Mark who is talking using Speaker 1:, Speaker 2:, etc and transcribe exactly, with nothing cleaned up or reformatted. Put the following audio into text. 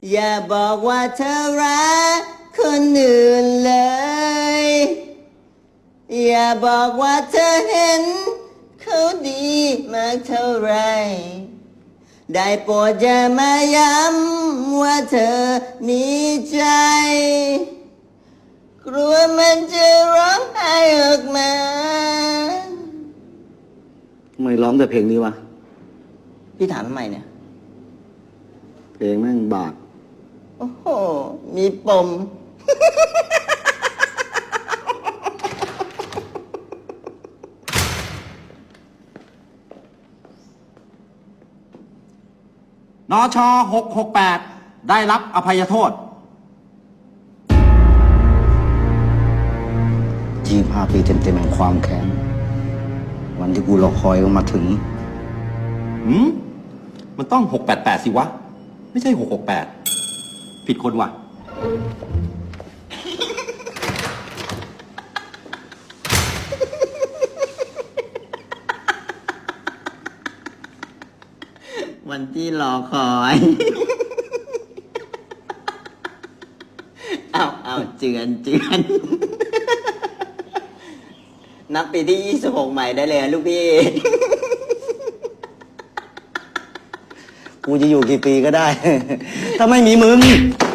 Speaker 1: อย่าบอกว่าเธอรักคนอื่นเลย อย่าบอกว่าเธอเห็นเขาดีมากเท่าไร ได้โปรดอย่ามาย้ำว่าเธอมีใจ กลัวมันจะร้องไห้ออกมา
Speaker 2: ทำไมร้องแต่เพลงนี้วะ
Speaker 1: พี่ถามทำไมเนี่ย
Speaker 2: เพลงแม่งบาด
Speaker 1: โอ้โห มีปม
Speaker 3: นชหกหกแปดได้รับอภัยโทษ
Speaker 2: ยี่สิบห้าปีเต็มๆแห่งความแค้น วันที่กูรอคอยมันมาถึง
Speaker 3: หืม มันต้องหกแปดแปดสิวะ ไม่ใช่หกหกแปดผิดคนว่ะ
Speaker 1: วันที่รอคอย เอาเอาเจือนเจือน นับปีที่ยี่สิบหกใหม่ได้เลยนะลูกพี่
Speaker 2: กูจะอยู่กี่ปีก็ได้ ถ้าไม่มีมึง